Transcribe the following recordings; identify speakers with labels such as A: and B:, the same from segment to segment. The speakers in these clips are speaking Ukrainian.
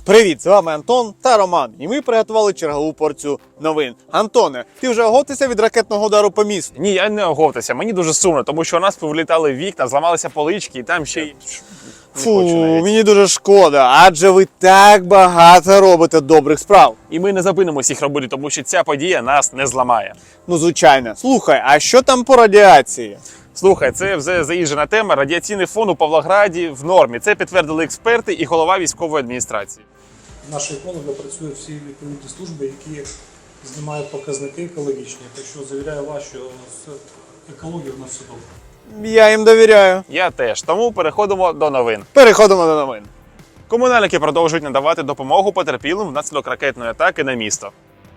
A: Привіт, з вами Антон та Роман, і ми приготували чергову порцію новин. Антоне, ти вже оговтався від ракетного удару по місту?
B: Ні, я не оговтався. Мені дуже сумно, тому що у нас повилітали вікна, зламалися полички і там ще й...
A: Фу, мені дуже шкода, адже ви так багато робите добрих справ.
B: І ми не зупинимося їх робити, тому що ця подія нас не зламає.
A: Ну, звичайно. Слухай, а що там по радіації?
B: Слухай, це вже заїжджена тема. Радіаційний фон у Павлограді в нормі. Це підтвердили експерти і голова військової адміністрації.
C: Наші екологи працюють всі відповідні служби, які знімають показники екологічні. Так що завіряю вас, що з екологією в нас все добре.
A: Я їм довіряю.
B: Я теж. Тому переходимо до новин.
A: Переходимо до новин.
B: Комунальники продовжують надавати допомогу потерпілим внаслідок ракетної атаки на місто.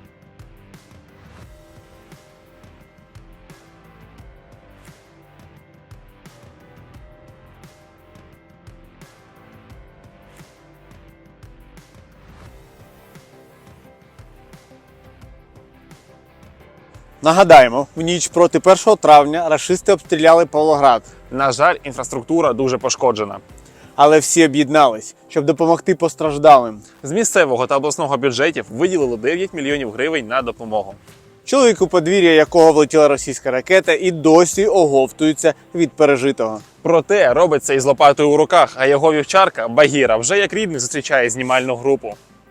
A: Нагадаємо, в ніч проти 1 травня рашисти обстріляли Павлоград.
B: На жаль, інфраструктура дуже пошкоджена.
A: Але всі об'єднались, щоб допомогти постраждалим.
B: З місцевого та обласного бюджетів виділили 9 мільйонів гривень на допомогу.
A: Чоловік, у подвір'я якого влетіла російська ракета, і досі оговтується від пережитого.
B: Проте робить це із лопатою у руках, а його вівчарка Багіра вже як рідний зустрічає знімальну групу.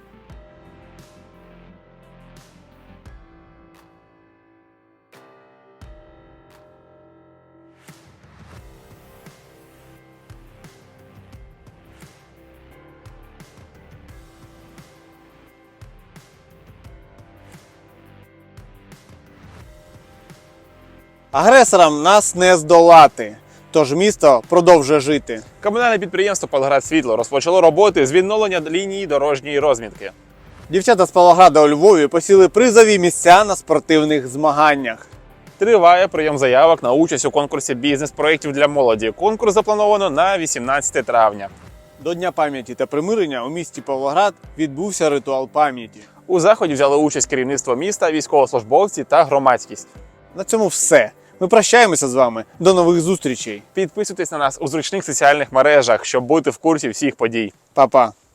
A: Агресорам нас не здолати, тож місто продовжує жити.
B: Комунальне підприємство «Павлоградсвітло» розпочало роботи з відновлення лінії дорожньої розмітки.
A: Дівчата з Павлограда у Львові посіли призові місця на спортивних змаганнях.
B: Триває прийом заявок на участь у конкурсі бізнес-проєктів для молоді. Конкурс заплановано на 18 травня.
A: До Дня пам'яті та примирення у місті Павлоград відбувся ритуал пам'яті.
B: У заході взяли участь керівництво міста, військовослужбовці та громадськість.
A: На цьому все. Ми прощаємося з вами. До нових зустрічей.
B: Підписуйтесь на нас у зручних соціальних мережах, щоб бути в курсі всіх подій.
A: Па-па.